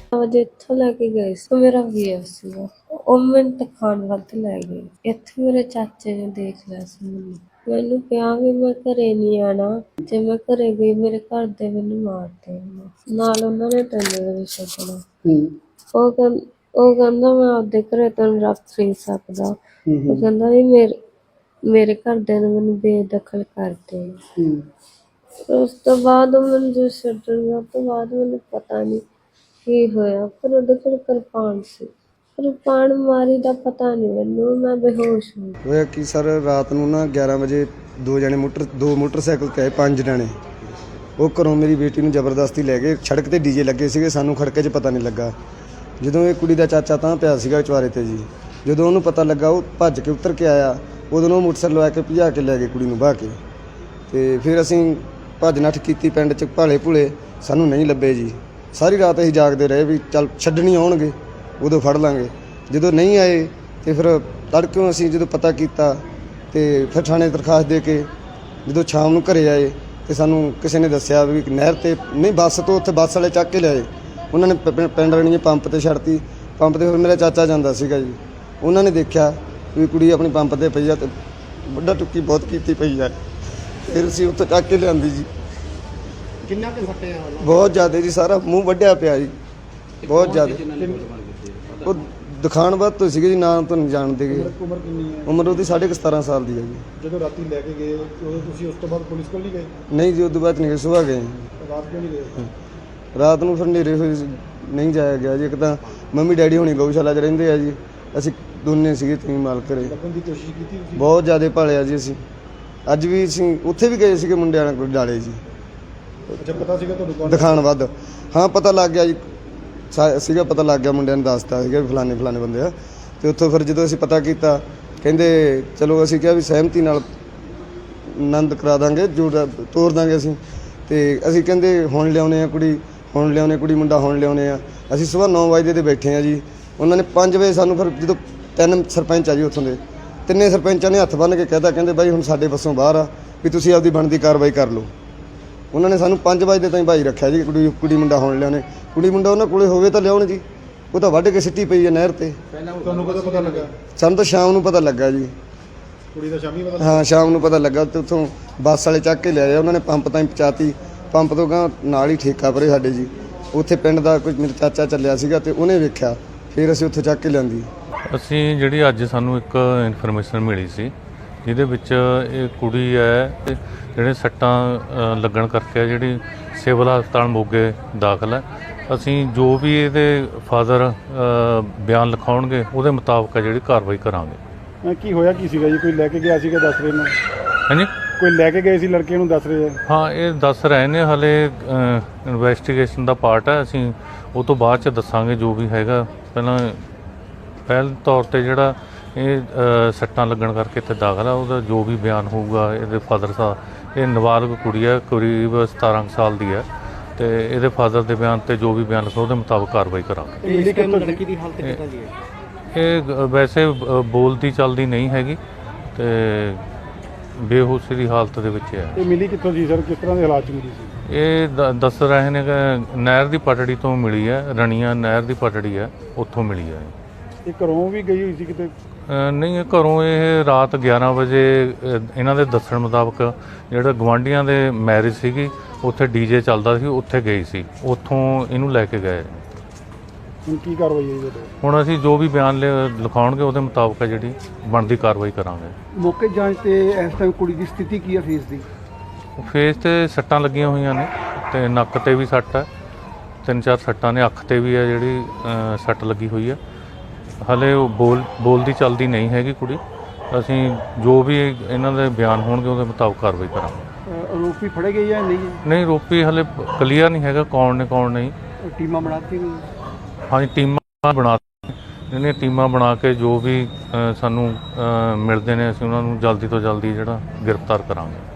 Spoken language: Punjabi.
ਵਜੇ ਇੱਥੋਂ ਲੈ ਕੇ ਗਏ ਸੀ। ਮੇਰਾ ਵੀਰ ਸੀਗਾ, ਉਹ ਮੈਨੂੰ ਦਿਖਾਉਣ ਵੱਧ ਲੈ ਗਏ। ਇੱਥੇ ਮੇਰੇ ਚਾਚੇ ਨੇ ਦੇਖ ਲਿਆ ਸੀ ਮੈਨੂੰ ਕਿਹਾ ਵੀ ਮੈਂ ਘਰੇ ਨਹੀਂ ਆਉਣਾ, ਜੇ ਮੈਂ ਘਰੇ ਗਈ ਮੇਰੇ ਘਰ ਦੇ ਮੈਨੂੰ ਮਾਰ ਦੇਣਗੇ, ਨਾਲ ਉਹਨਾਂ ਨੇ ਤੈਨੂੰ ਵੀ ਛੱਡਣਾ। ਉਹ ਕਹਿੰਦਾ ਮੈਂ ਆਪਦੇ ਘਰੇ ਤੈਨੂੰ ਰੱਖ ਨਹੀਂ ਸਕਦਾ। ਉਹ ਕਹਿੰਦਾ ਵੀ ਮੇਰੇ ਘਰਦਿਆਂ ਨੇ ਮੈਨੂੰ ਬੇਦਖਲ ਕਰ ਦੇਣਾ। ਉਸ ਤੋਂ ਬਾਅਦ ਮੈਨੂੰ ਜੋ ਛੱਡਣ ਗਿਆ, ਉਸ ਤੋਂ ਬਾਅਦ ਮੈਨੂੰ ਪਤਾ ਨਹੀਂ ਕੀ ਹੋਇਆ, ਪਰ ਉਹਦੇ ਕੋਲ ਕਿਰਪਾਨ ਸੀ। ਕਿਰਪਾਨ ਮਾਰੀ ਦਾ ਪਤਾ ਨਹੀਂ ਮੈਨੂੰ, ਮੈਂ ਬੇਹੋਸ਼ ਹੋ ਗਈ। ਹੋਇਆ ਕਿ ਸਰ ਰਾਤ ਨੂੰ ਨਾ 11 ਵਜੇ ਦੋ ਮੋਟਰਸਾਈਕਲ ਤੇ ਆਏ 5 ਜਣੇ। ਉਹ ਘਰੋਂ ਮੇਰੀ ਬੇਟੀ ਨੂੰ ਜ਼ਬਰਦਸਤੀ ਲੈ ਗਏ। ਸੜਕ ਤੇ ਡੀਜੇ ਲੱਗੇ ਸੀਗੇ, ਸਾਨੂੰ ਖੜਕੇ 'ਚ ਪਤਾ ਨਹੀਂ ਲੱਗਾ। ਜਦੋਂ ਇਹ ਕੁੜੀ ਦਾ ਚਾਚਾ ਤਾਂ ਪਿਆ ਸੀਗਾ ਚੁਆਰੇ ਤੇ ਜੀ, ਜਦੋਂ ਉਹਨੂੰ ਪਤਾ ਲੱਗਾ ਉਹ ਭੱਜ ਕੇ ਉਤਰ ਕੇ ਆਇਆ। ਉਦੋਂ ਉਹ ਮੋਟਰਸਾਈਕਲ ਲਵਾ ਕੇ ਭਜਾ ਕੇ ਲੈ ਗਏ ਕੁੜੀ ਨੂੰ ਬਾਹ ਕੇ। ਤੇ ਫਿਰ ਅਸੀਂ ਭੱਜ ਨੱਠ ਕੀਤੀ ਪਿੰਡ 'ਚ, ਭਾਲੇ ਭੁਲੇ ਸਾਨੂੰ ਨਹੀਂ ਲੱਭੇ ਜੀ। ਸਾਰੀ ਰਾਤ ਅਸੀਂ ਜਾਗਦੇ ਰਹੇ ਵੀ ਚੱਲ ਛੱਡਣੀ ਆਉਣਗੇ ਉਦੋਂ ਫੜ ਲਾਂਗੇ। ਜਦੋਂ ਨਹੀਂ ਆਏ ਤੇ ਫਿਰ ਤੜਕਿਓਂ ਅਸੀਂ ਜਦੋਂ ਪਤਾ ਕੀਤਾ ਤੇ ਫਿਰ ਥਾਣੇ ਦਰਖਾਸਤ ਦੇ ਕੇ ਜਦੋਂ ਸ਼ਾਮ ਨੂੰ ਘਰੇ ਆਏ ਤੇ ਸਾਨੂੰ ਕਿਸੇ ਨੇ ਦੱਸਿਆ ਵੀ ਨਹਿਰ ਤੇ ਨਹੀਂ, ਬੱਸ ਤੋਂ ਉੱਥੇ ਬੱਸ ਵਾਲੇ ਚੱਕ ਕੇ ਲਿਆਏ। ਉਹਨਾਂ ਨੇ ਪਿੰਡ ਰਣੀਏ ਪੰਪ ਤੇ ਛੱਡਤੀ। ਪੰਪ ਤੇ ਫਿਰ ਮੇਰਾ ਚਾਚਾ ਜਾਂਦਾ ਸੀਗਾ ਜੀ, ਉਹਨਾਂ ਨੇ ਦੇਖਿਆ ਵੀ ਕੁੜੀ ਆਪਣੀ ਪੰਪ ਤੇ ਪਈ ਆ ਤੇ ਵੱਡਾ ਟੁੱਕੀ ਬਹੁਤ ਕੀਤੀ ਪਈ ਆ। ਫਿਰ ਅਸੀਂ ਉੱਥੇ ਚੱਕ ਕੇ ਲਿਆਂਦੀ ਜੀ। ਕਿੰਨਾ ਕੁ ਸੱਟੇ ਆ? ਬਹੁਤ ਜ਼ਿਆਦਾ ਜੀ, ਸਾਰਾ ਮੂੰਹ ਵੱਢਿਆ ਪਿਆ ਜੀ, ਬਹੁਤ ਜ਼ਿਆਦਾ। ਉਹ ਦਿਖਾਣ ਬਾਅਦ ਤੋਂ ਸੀਗੇ ਜੀ, ਨਾਂ ਤੋਂ ਨਹੀਂ ਜਾਣਦੇ ਗੇ। ਉਮਰ ਕਿੰਨੀ ਹੈ? ਉਮਰ ਉਹਦੀ 17.5 ਸਾਲ ਦੀ ਹੈ ਜੀ। ਜਦੋਂ ਰਾਤੀ ਲੈ ਕੇ ਗਏ ਉਦੋਂ ਤੁਸੀਂ ਉਸ ਤੋਂ ਬਾਅਦ ਪੁਲਿਸ ਕੋਲ ਨਹੀਂ ਗਏ? ਨਹੀਂ ਜੀ, ਉਦੋਂ ਬਾਅਦ ਨਹੀਂ ਗਏ, ਸੁਬਾਹ ਗਏ। ਰਾਤ ਕਿਉਂ ਨਹੀਂ ਗਏ? ਰਾਤ ਨੂੰ ਫਿਰ ਹਨੇਰੇ ਹੋਏ ਨਹੀਂ ਜਾਇਆ ਗਿਆ ਜੀ। ਇੱਕ ਤਾਂ ਮੰਮੀ ਡੈਡੀ ਹੁਣੀ ਗਊਸ਼ਾਲਾ 'ਚ ਰਹਿੰਦੇ ਆ ਜੀ, ਅਸੀਂ ਦੋਨੇ ਸੀਗੇ ਤੁਸੀਂ ਮਾਲ ਘਰੇ। ਲੱਭਣ ਦੀ ਕੋਸ਼ਿਸ਼ ਕੀਤੀ ਤੁਸੀਂ? ਬਹੁਤ ਜ਼ਿਆਦਾ ਭਾਲਿਆ ਜੀ ਅਸੀਂ। ਅੱਜ ਵੀ ਅਸੀਂ ਉੱਥੇ ਵੀ ਗਏ ਸੀਗੇ ਮੁੰਡਿਆਂ ਕੋਲ ਡਾਲੇ ਜੀ। ਅੱਛਾ, ਪਤਾ ਸੀਗਾ ਤੁਹਾਨੂੰ ਦਿਖਾਣ ਵੱਧ? ਹਾਂ, ਪਤਾ ਲੱਗ ਗਿਆ ਜੀ, ਸੀਗਾ ਪਤਾ ਲੱਗ ਗਿਆ। ਮੁੰਡਿਆਂ ਨੇ ਦੱਸਤਾ ਸੀਗਾ ਵੀ ਫਲਾਣੇ ਬੰਦੇ ਆ। ਤੇ ਉੱਥੋਂ ਫਿਰ ਜਦੋਂ ਅਸੀਂ ਪਤਾ ਕੀਤਾ, ਕਹਿੰਦੇ ਚਲੋ ਅਸੀਂ ਕਿਹਾ ਵੀ ਸਹਿਮਤੀ ਨਾਲ ਆਨੰਦ ਕਰਾ ਦਾਂਗੇ, ਜੋ ਤੋਰ ਦਾਂਗੇ ਅਸੀਂ। ਤੇ ਅਸੀਂ ਕਹਿੰਦੇ ਹੁਣ ਲਿਆਉਣੇ ਆ ਕੁੜੀ, ਹੁਣ ਲਿਆਉਣੇ ਕੁੜੀ ਮੁੰਡਾ, ਹੁਣ ਲਿਆਉਣੇ ਆ। ਅਸੀਂ ਸੁਬਾਹ 9 ਵਜੇ ਤੇ ਬੈਠੇ ਆ ਜੀ। ਉਹਨਾਂ ਨੇ 5 ਵਜੇ ਸਾਨੂੰ ਫਿਰ ਜਦੋਂ 3 ਸਰਪੰਚ ਆ ਜੀ ਉੱਥੋਂ ਦੇ, 3 ਸਰਪੰਚਾਂ ਨੇ ਹੱਥ ਬੰਨ੍ਹ ਕੇ ਕਹਿਤਾ, ਕਹਿੰਦੇ ਬਾਈ ਹੁਣ ਸਾਡੇ ਵੱਸੋਂ ਬਾਹਰ ਆ ਵੀ ਤੁਸੀਂ ਆਪਦੀ ਬਣਦੀ ਕਾਰਵਾਈ ਕਰ ਲਓ। ਉਹਨਾਂ ਨੇ ਸਾਨੂੰ 5 ਵਜੇ ਤਾਈਂ ਭਾਈ ਰੱਖਿਆ ਜੀ। ਕੁੜੀ ਮੁੰਡਾ ਹੁਣ ਲਿਆਉਣੇ, ਕੁੜੀ ਮੁੰਡਾ ਉਹਨਾਂ ਕੋਲੇ ਹੋਵੇ ਤਾਂ ਲਿਆਉਣ ਜੀ। ਉਹ ਤਾਂ ਵੱਢ ਕੇ ਸਿੱਟੀ ਪਈ ਹੈ ਨਹਿਰ ਤੇ। ਤੁਹਾਨੂੰ ਕਦੋਂ ਪਤਾ ਲੱਗਾ? ਸਾਨੂੰ ਤਾਂ ਸ਼ਾਮ ਨੂੰ ਪਤਾ ਲੱਗਾ ਜੀ। ਕੁੜੀ ਦਾ ਸ਼ਾਮੀ ਪਤਾ? ਹਾਂ, ਸ਼ਾਮ ਨੂੰ ਪਤਾ ਲੱਗਾ ਤੇ ਉੱਥੋਂ ਬੱਸ ਵਾਲੇ ਚੱਕ ਕੇ ਲਿਆਏ। ਉਹਨਾਂ ਨੇ ਪੰਪ ਤਾਈਂ ਪਹੁੰਚਾਤੀ। ਪੰਪ ਤੋਂ ਗਾਂ ਨਾਲ ਹੀ ਠੇਕਾ ਪਰੇ ਸਾਡੇ ਜੀ, ਉੱਥੇ ਪਿੰਡ ਦਾ ਕੋਈ ਮੇਰਾ ਚਾਚਾ ਚੱਲਿਆ ਸੀਗਾ ਤੇ ਉਹਨੇ ਵੇਖਿਆ, ਫਿਰ ਅਸੀਂ ਉੱਥੇ ਚੱਕ ਕੇ ਲਿਆਂਦੀ। ਅਸੀਂ ਜਿਹੜੀ ਅੱਜ ਸਾਨੂੰ ਇੱਕ ਇਨਫੋਰਮੇਸ਼ਨ ਮਿਲੀ ਸੀ, ਜਿਹਦੇ ਵਿੱਚ ਇਹ ਕੁੜੀ ਹੈ ਤੇ ਜਿਹੜੇ ਸੱਟਾਂ ਲੱਗਣ ਕਰਕੇ ਜਿਹੜੀ ਸਿਵਲ ਹਸਪਤਾਲ ਮੋਗੇ ਦਾਖਲ ਹੈ। ਅਸੀਂ ਜੋ ਵੀ ਇਹਦੇ ਫਾਦਰ ਬਿਆਨ ਲਿਖਾਉਣਗੇ ਉਹਦੇ ਮੁਤਾਬਕ ਜਿਹੜੀ ਕਾਰਵਾਈ ਕਰਾਂਗੇ। ਕੀ ਹੋਇਆ ਕੀ ਸੀਗਾ ਜੀ? ਕੋਈ ਲੈ ਕੇ ਗਿਆ ਸੀਗਾ ਦੱਸ ਰਹੇ ਨੇ? ਹਾਂਜੀ, ਕੋਈ ਲੈ ਕੇ ਗਏ ਸੀ ਲੜਕੇ ਨੂੰ ਦੱਸ ਰਹੇ ਆ? ਹਾਂ, ਇਹ ਦੱਸ ਰਹੇ ਨੇ, ਹਾਲੇ ਇਨਵੈਸਟੀਗੇਸ਼ਨ ਦਾ ਪਾਰਟ ਹੈ। ਅਸੀਂ ਉਹ ਤੋਂ ਬਾਅਦ 'ਚ ਦੱਸਾਂਗੇ ਜੋ ਵੀ ਹੈਗਾ। ਪਹਿਲ ਤੌਰ 'ਤੇ ਜਿਹੜਾ ਇਹ ਸੱਟਾਂ ਲੱਗਣ ਕਰਕੇ ਇੱਥੇ ਦਾਖਲ ਆ, ਉਹਦਾ ਜੋ ਵੀ ਬਿਆਨ ਹੋਊਗਾ ਇਹਦੇ ਫਾਦਰ ਸਾਹਿਬ, ਇਹ ਨਾਬਾਲਗ ਕੁੜੀ ਹੈ, ਕਰੀਬ 17 ਸਾਲ ਦੀ ਹੈ, ਤੇ ਇਹਦੇ ਫਾਦਰ ਦੇ ਬਿਆਨ ਤੇ ਜੋ ਵੀ ਬਿਆਨ ਲਿਖੋ ਉਹਦੇ ਮੁਤਾਬਕ ਕਾਰਵਾਈ ਕਰਾਂਗੇ। ਲੜਕੀ ਦੀ ਹਾਲਤ ਕਿੱਦਾਂ ਦੀ ਹੈ? ਇਹ ਵੈਸੇ ਬੋਲਦੀ ਚੱਲਦੀ ਨਹੀਂ ਹੈਗੀ ਤੇ ਬੇਹੋਸ਼ੀ ਦੀ ਹਾਲਤ ਦੇ ਵਿੱਚ ਹੈ। ਇਹ ਮਿਲੀ ਕਿੱਥੋਂ ਸੀ ਸਰ? ਕਿਸ ਤਰ੍ਹਾਂ ਦੇ ਹਾਲਾਤ 'ਚ ਮਿਲੀ ਸੀ? ਇਹ ਦੱਸ ਰਹੇ ਨੇ ਕਿ ਨਹਿਰ ਦੀ ਪਟੜੀ ਤੋਂ ਮਿਲੀ ਹੈ, ਰਣੀਆਂ ਨਹਿਰ ਦੀ ਪਟੜੀ ਹੈ, ਉੱਥੋਂ ਮਿਲੀ ਹੈ। ਇਹ ਘਰੋਂ ਵੀ ਗਈ ਹੋਈ ਸੀ ਕਿਤੇ? ਨਹੀਂ, ਇਹ ਘਰੋਂ ਇਹ ਰਾਤ 11 ਵਜੇ ਇਹਨਾਂ ਦੇ ਦੱਸਣ ਮੁਤਾਬਕ ਜਿਹੜਾ ਗਵਾਂਢੀਆਂ ਦੇ ਮੈਰਿਜ ਸੀਗੀ, ਉੱਥੇ ਡੀਜੇ ਚੱਲਦਾ ਸੀ, ਉੱਥੇ ਗਈ ਸੀ, ਉੱਥੋਂ ਇਹਨੂੰ ਲੈ ਕੇ ਗਏ। ਹੁਣ ਕੀ ਕਾਰਵਾਈ ਹੈ? ਹੁਣ ਅਸੀਂ ਜੋ ਵੀ ਬਿਆਨ ਲਿਖਾਉਣਗੇ ਉਹਦੇ ਮੁਤਾਬਕ ਜਿਹੜੀ ਬਣਦੀ ਕਾਰਵਾਈ ਕਰਾਂਗੇ। ਮੌਕੇ ਜਾਂਚ ਤੇ ਇਸ ਟਾਈਮ ਕੁੜੀ ਦੀ ਸਥਿਤੀ ਕੀ ਹੈ ਫੇਸ ਦੀ? ਫੇਸ ਤੇ ਸੱਟਾਂ ਲੱਗੀਆਂ ਹੋਈਆਂ ਨੇ ਤੇ ਨੱਕ ਤੇ ਵੀ ਸੱਟ ਹੈ, 3-4 ਸੱਟਾਂ ਨੇ, ਅੱਖ ਤੇ ਵੀ ਹੈ ਜਿਹੜੀ ਸੱਟ ਲੱਗੀ ਹੋਈ ਹੈ। ਹਾਲੇ ਉਹ ਬੋਲਦੀ ਚੱਲਦੀ ਨਹੀਂ ਹੈਗੀ ਕੁੜੀ। ਅਸੀਂ ਜੋ ਵੀ ਇਹਨਾਂ ਦੇ ਬਿਆਨ ਹੋਣਗੇ ਉਹਦੇ ਮੁਤਾਬਕ ਕਾਰਵਾਈ ਕਰਾਂਗੇ। ਆਰੋਪੀ ਫੜੇ ਗਏ ਜਾਂ ਨਹੀਂ? ਨਹੀਂ, ਆਰੋਪੀ ਹਾਲੇ ਕਲੀਅਰ ਨਹੀਂ ਹੈਗਾ ਕੌਣ ਨੇ ਕੌਣ ਨਹੀਂ। ਟੀਮਾਂ ਬਣਾਤੀ ਗਈਆਂ? ਹਾਂਜੀ, ਟੀਮਾਂ ਬਣਾ ਕੇ ਜੋ ਵੀ ਸਾਨੂੰ ਮਿਲਦੇ ਨੇ ਅਸੀਂ ਉਹਨਾਂ ਨੂੰ ਜਲਦੀ ਤੋਂ ਜਲਦੀ ਜਿਹੜਾ ਗ੍ਰਿਫਤਾਰ ਕਰਾਂਗੇ।